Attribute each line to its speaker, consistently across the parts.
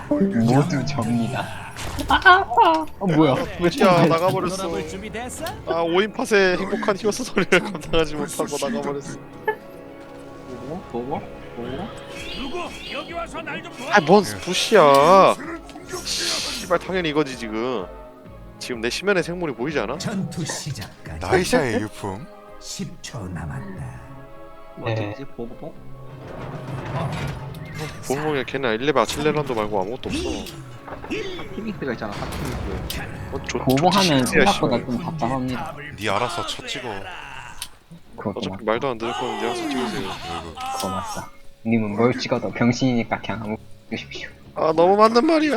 Speaker 1: 모두 접니다. 뭐야? 왜
Speaker 2: 야 나가버렸어. 아 5인 팟의 행복한 히어스 소리를 감당하지 못하고 나가버렸어.
Speaker 1: 보고?
Speaker 2: 아뭔 부시야. 씨발 당연히 이거지 지금. 지금 내 시면의 생물이 보이지 않아?
Speaker 3: 전투 시작까지
Speaker 4: 나이샤의 유품.
Speaker 3: 10초 남았다.
Speaker 1: 네.
Speaker 5: 보고
Speaker 2: 보물에 걔는 1레벨 아칠레란도 말고 아무것도 없어.
Speaker 5: 피믹스가 있잖아. 피믹스.
Speaker 1: 보고하면
Speaker 2: 좋지,
Speaker 1: 생각보다
Speaker 2: 씨발.
Speaker 1: 좀 답답합니다.
Speaker 4: 니 알아서 쳐 찍어.
Speaker 1: 그것도
Speaker 2: 어차피
Speaker 1: 맞다.
Speaker 2: 말도 안 들을 거면 니가 찍으세요.
Speaker 1: 그거 맞다. 님은 뭘 찍어도 병신이니까 그냥 아무 주십시오.
Speaker 2: 아 너무 맞는 말이야.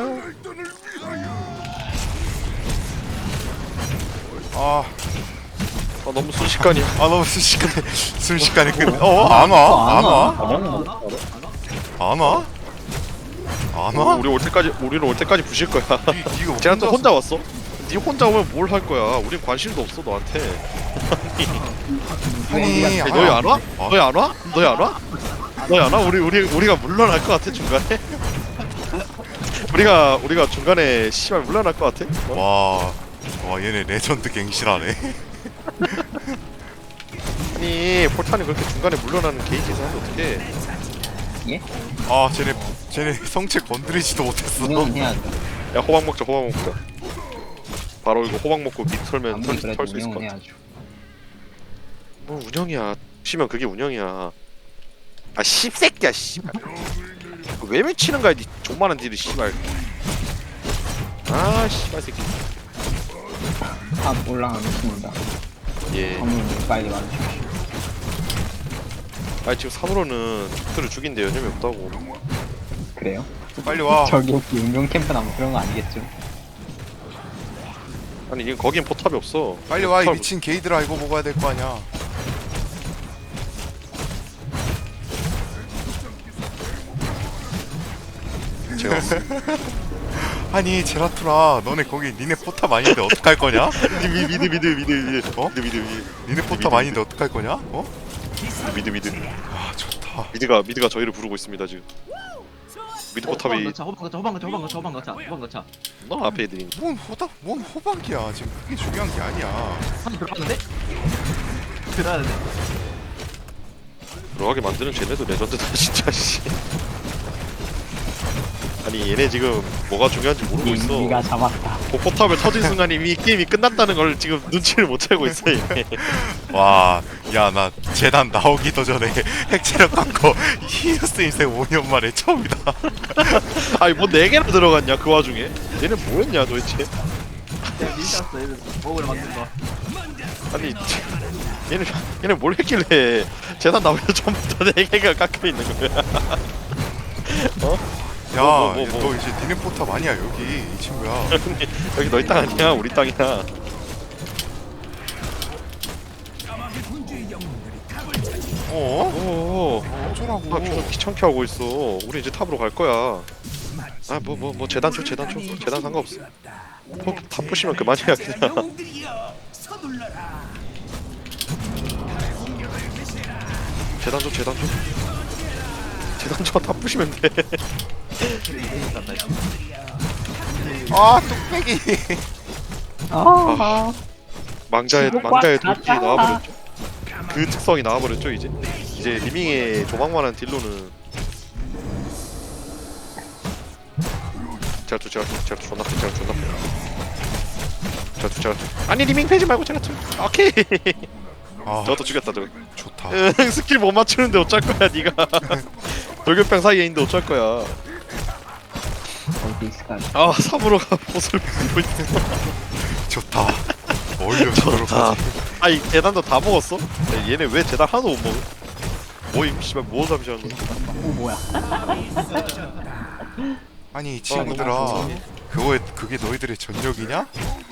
Speaker 4: 아,
Speaker 2: 아 너무 순식간이야.
Speaker 4: 아 너무 순식간에 끝. 안 와? 안 와? 안 와? 안 와?
Speaker 2: 우리는 올 때까지 부실 거야.
Speaker 4: 니가
Speaker 2: 쟤는 또 혼자 왔어? 니 혼자 오면 뭘 할 거야? 우린 관심도 없어 너한테.
Speaker 4: 아니,
Speaker 2: 너희 안 와? 너희 안 와? 너희 안 와? 너희 안 와? 우리가 물러날 것 같아 중간에? 우리가 중간에 씨발 물러날 것 같아?
Speaker 4: 와 얘네 레전드 갱실하네.
Speaker 2: 아니 폴탄이 그렇게 중간에 물러나는 게이지에서 하면 어떡해?
Speaker 1: 예?
Speaker 4: 아 쟤네 성체 건드리지도 못했어.
Speaker 1: 운영은 해야죠.
Speaker 2: 야 호박 먹자. 바로 이거 호박 먹고 밑 털면
Speaker 1: 아무리 그래도
Speaker 2: 털수 있을 것
Speaker 1: 운영은
Speaker 2: 같아.
Speaker 1: 해야죠.
Speaker 2: 뭐 운영이야. 치면 그게 운영이야. 아 씹새끼야 씨발. 왜 미치는 거야 니 존만한 딜을 씨발. 아 씨발 새끼.
Speaker 1: 탑 올라가겠습니다.
Speaker 2: 예.
Speaker 1: 건물 빨리 와주십시오.
Speaker 2: 아니 지금 산으로는 적들을 죽인데 여념이 없다고.
Speaker 1: 그래요?
Speaker 4: 빨리 와.
Speaker 1: 저기 혹시 운명 캠프나 뭐 그런 거 아니겠죠?
Speaker 2: 아니 이건 거긴 포탑이 없어.
Speaker 4: 빨리 와 이
Speaker 2: 포탑-
Speaker 4: 미친 게이들아 이거 먹어야 될 거 아니야.
Speaker 2: 제가
Speaker 4: 아니 제라투라 너네 거기 니네 포탑 아닌데 어떡할 거냐?
Speaker 2: 미드.
Speaker 4: 어?
Speaker 2: 미드.
Speaker 4: 니네 포탑 아닌데 어떡할 거냐? 어?
Speaker 2: 미드.
Speaker 4: 아 좋다.
Speaker 2: 미드가 저희를 부르고 있습니다 지금. 미드 포탑이
Speaker 5: 호방 넣자.
Speaker 2: 너 앞에 애들이.
Speaker 4: 뭔 호박이야. 지금 그게 중요한 게 아니야.
Speaker 5: 한 들어갔는데? 들어야 돼.
Speaker 2: 들어가게 만드는 쟤네도 레전드다 진짜 씨. 아니 얘네 지금 뭐가 중요한지 모르고 있어.
Speaker 1: 니가 잡았다.
Speaker 2: 포탑을 터진 순간 이미 게임이 끝났다는 걸 지금 눈치를 못 채고 있어 얘네.
Speaker 4: 와, 야 나 재단 나오기도 전에 핵체력 갖고 히어스 인생 5년 만에 처음이다.
Speaker 2: 아니 뭐 4개나 들어갔냐 그 와중에. 얘네 뭐였냐 도대체.
Speaker 5: 밀렸어. 얘들 먹으러 만든 거.
Speaker 2: 아니 얘네 뭘 했길래 재단 나오기 전부터 4개가 깎여있는 거야. 어?
Speaker 4: 야,
Speaker 2: 뭐.
Speaker 4: 너 이제 니네 포탑 아니야 여기 이 친구야.
Speaker 2: 여기 너희 땅 아니야 우리 땅이야.
Speaker 4: 어?
Speaker 2: 오.
Speaker 4: 어쩌라고?
Speaker 2: 나 계속 귀찮게 하고 있어. 우리 이제 탑으로 갈 거야. 아 뭐 재단 줘 재단 상관없어. 다 부시면 그만이야 그냥. 재단 줘. 다 부시면 돼.
Speaker 4: 아 뚝배기.
Speaker 2: 망자의
Speaker 1: 지옥과
Speaker 2: 돌기
Speaker 1: 가자.
Speaker 2: 나와버렸죠. 그 특성이 나와버렸죠 이제. 이제 리밍의 도망만한 딜로는. 제라투 존나 제라투. 아니 리밍 패지 말고 제라투. 오케이.
Speaker 4: 아
Speaker 2: 저것도 죽였다 저거.
Speaker 4: 좋다.
Speaker 2: 응, 스킬 못 맞추는데 어쩔 거야 니가. 돌격병 사이에 있는데 어쩔 거야.
Speaker 1: 어디 있을까?
Speaker 2: 아 3으로가 보스를 부수고 있어.
Speaker 4: 좋다. 어울려 저러고.
Speaker 2: 아이 재단도 다 먹었어? 야, 얘네 왜 재단 하나도 못 먹어? 뭐임 씨발 뭐 잠시하는 거야.
Speaker 1: 오 뭐야?
Speaker 4: 아니 이 친구들아, 그게 너희들의 전력이냐?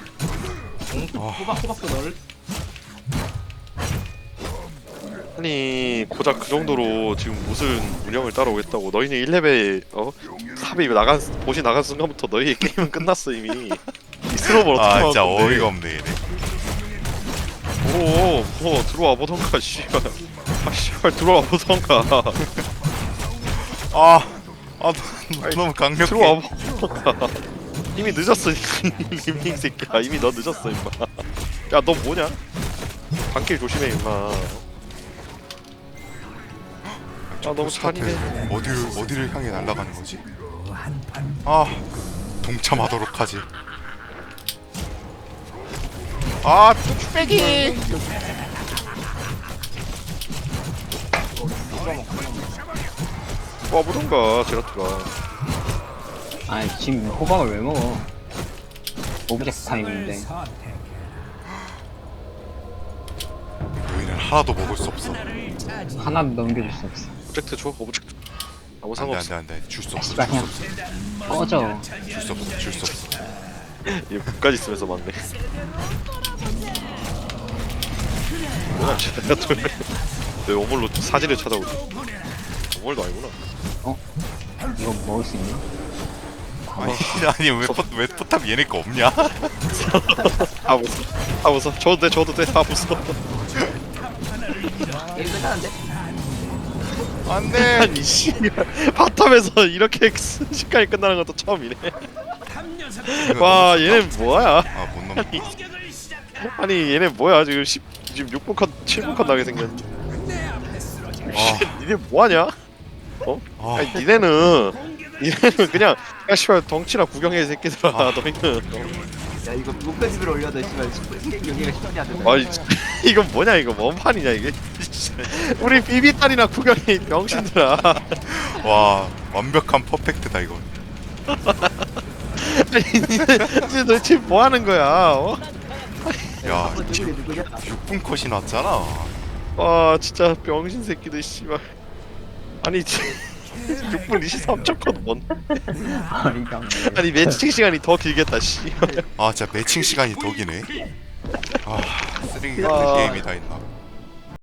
Speaker 5: 호박도 넣을.
Speaker 2: 아니 고작 그 정도로 지금 무슨 운영을 따라오겠다고. 너희는 1레벨 삽이 보시 나간 순간부터 너희의 게임은 끝났어 이미. 이 스노볼 어떻게
Speaker 4: 아
Speaker 2: 막을
Speaker 4: 진짜
Speaker 2: 건데.
Speaker 4: 어이가 없네 얘네.
Speaker 2: 뭐 들어와 보던가 씨발. 아 씨발 들어와 보던가.
Speaker 4: 아 아 너무 강력해.
Speaker 2: 들어와 이미 늦었어 이미 새끼야 이미 너 늦었어 임마 야 너 뭐냐 방길 조심해 임마 아 너무 잔인해
Speaker 4: 어디를 향해 날아가는 거지? 아 동참하도록 하지. 아 뚝배기.
Speaker 2: 와보던가 제라트가
Speaker 1: 아니 지금 호박을 왜 먹어? 오브젝트 타임인데.
Speaker 4: 너희는 하나도 먹을 수 없어.
Speaker 1: 하나도 넘겨줄 수 없어.
Speaker 2: 오브젝트 줘 오브젝트 아무
Speaker 4: 안돼
Speaker 2: 상관없어
Speaker 4: 안돼 안돼 줄 수 없어.
Speaker 1: 씨발 그냥 꺼져.
Speaker 4: 줄 수 없어. 줄 수 없어.
Speaker 2: 얘 국까지 쓰면서 맞네 뭐야 제라트 내 오물로 사진을 찾아오지 오물도 아니구나
Speaker 1: 이거 먹을 수 있나?
Speaker 4: 아니 왜 포탑 얘네 거 없냐?
Speaker 2: 아 무서 아 무서 줘도 돼아 무서
Speaker 5: 게임 끝나는데?
Speaker 4: 안돼.
Speaker 2: 아니 씨 바텀에서 이렇게 순식간에 끝나는 것도 처음이네 와 얘는 뭐야
Speaker 4: 아못 넘어.
Speaker 2: 아니 얘네 뭐야 지금 10 지금 6분 컷 7분 컷 나게 생겼는데 니네 뭐하냐?
Speaker 4: 아,
Speaker 2: 아니 니네는 그냥 야 씨발 덩치나 구경해 이 새끼들아 너희는
Speaker 5: 야 이거 목표집을 올려도 씨발 여기가 10년이 안 된다.
Speaker 2: 아니 이건 뭐냐 이거 뭔 판이냐 이게 우리 비비딸이나 구경해 명신들아
Speaker 4: 와 완벽한 퍼펙트다 이거.
Speaker 2: 아니 니네 도대체 뭐하는 거야
Speaker 4: 야
Speaker 5: 이게 누구냐?
Speaker 4: 6분 컷이 났잖아.
Speaker 2: 와 진짜 병신 새끼들 씨발 아니 6분 23초 컷 뭔
Speaker 1: 어이가 없네.
Speaker 2: 아니 매칭 시간이 더 길겠다 씨
Speaker 4: 아 진짜 매칭 시간이 더 기네. 아 쓰레기 같은
Speaker 2: 아.
Speaker 4: 게임이 다 있나.